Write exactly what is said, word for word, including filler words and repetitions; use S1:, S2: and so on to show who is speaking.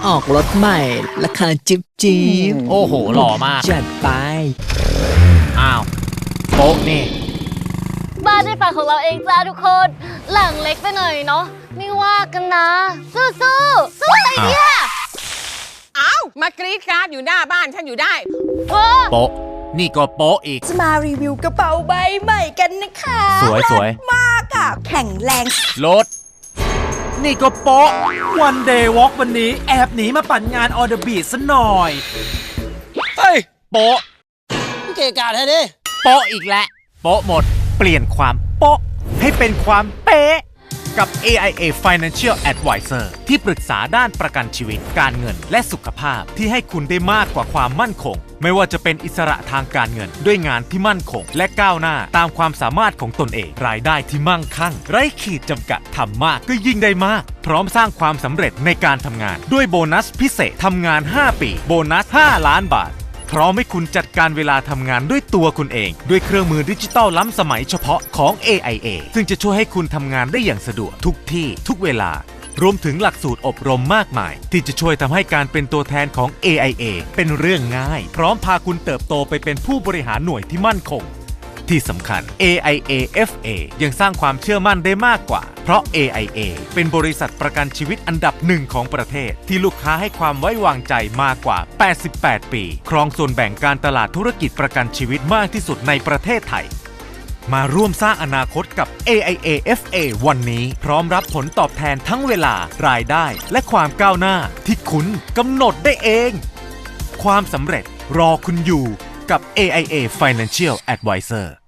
S1: ออกรถใหม่ราคาจิบจิบ
S2: โอ้โหหล่อมาก
S1: จัดไป
S2: อ้าวโป๊ะนี่
S3: บ้านในฝันของเราเองจ้าทุกคน หลังเล็กไปหน่อยเนาะไม่ว่ากันนะ สู้สู้สู้อะไรเนี่ย
S4: เอ้ามากรีดกราดอยู่หน้าบ้านฉันอยู่ได้
S3: เว้อ
S2: โป๊ะนี่ก็โป๊ะอีก
S5: จะมารีวิวกระเป๋าใบใหม่กันนะคะ
S2: สวยสวย
S5: มากอะแข็งแรง
S2: รถนี่ก็โป๊ะ
S6: วันเดย์วอล์กวันนี้แอบหนีมาปั่นงานออเดอร์บีซะหน่อย
S2: เฮ้ยโป๊ะ
S7: เกะกะแท้ดิ
S2: โป๊ะอีกแล้วโป๊ะหมด เปลี่ยนความโป๊ะให้เป็นความเป๊ะกับ เอ ไอ เอ Financial Advisor ที่ปรึกษาด้านประกันชีวิตการเงินและสุขภาพที่ให้คุณได้มากกว่าความมั่นคงไม่ว่าจะเป็นอิสระทางการเงินด้วยงานที่มั่นคงและก้าวหน้าตามความสามารถของตนเองรายได้ที่มั่งคั่งไร้ขีดจำกัดทำมากก็ยิ่งได้มากพร้อมสร้างความสำเร็จในการทำงานด้วยโบนัสพิเศษทำงานห้าปีโบนัสห้าล้านบาทพร้อมให้คุณจัดการเวลาทำงานด้วยตัวคุณเองด้วยเครื่องมือดิจิตอลล้ำสมัยเฉพาะของ เอ ไอ เอ ซึ่งจะช่วยให้คุณทำงานได้อย่างสะดวกทุกที่ทุกเวลารวมถึงหลักสูตรอบรมมากมายที่จะช่วยทำให้การเป็นตัวแทนของ เอ ไอ เอ เป็นเรื่องง่ายพร้อมพาคุณเติบโตไปเป็นผู้บริหารหน่วยที่มั่นคงที่สำคัญ เอ ไอ เอ เอฟ เอ ยังสร้างความเชื่อมั่นได้มากกว่าเพราะ เอ ไอ เอ เป็นบริษัทประกันชีวิตอันดับหนึ่งของประเทศที่ลูกค้าให้ความไว้วางใจมากกว่าแปดสิบแปดปีครองส่วนแบ่งการตลาดธุรกิจประกันชีวิตมากที่สุดในประเทศไทยมาร่วมสร้างอนาคตกับ เอ ไอ เอ เอฟ เอ วันนี้พร้อมรับผลตอบแทนทั้งเวลารายได้และความก้าวหน้าที่คุณกำหนดได้เองความสำเร็จรอคุณอยู่กับ เอ ไอ เอ Financial Advisor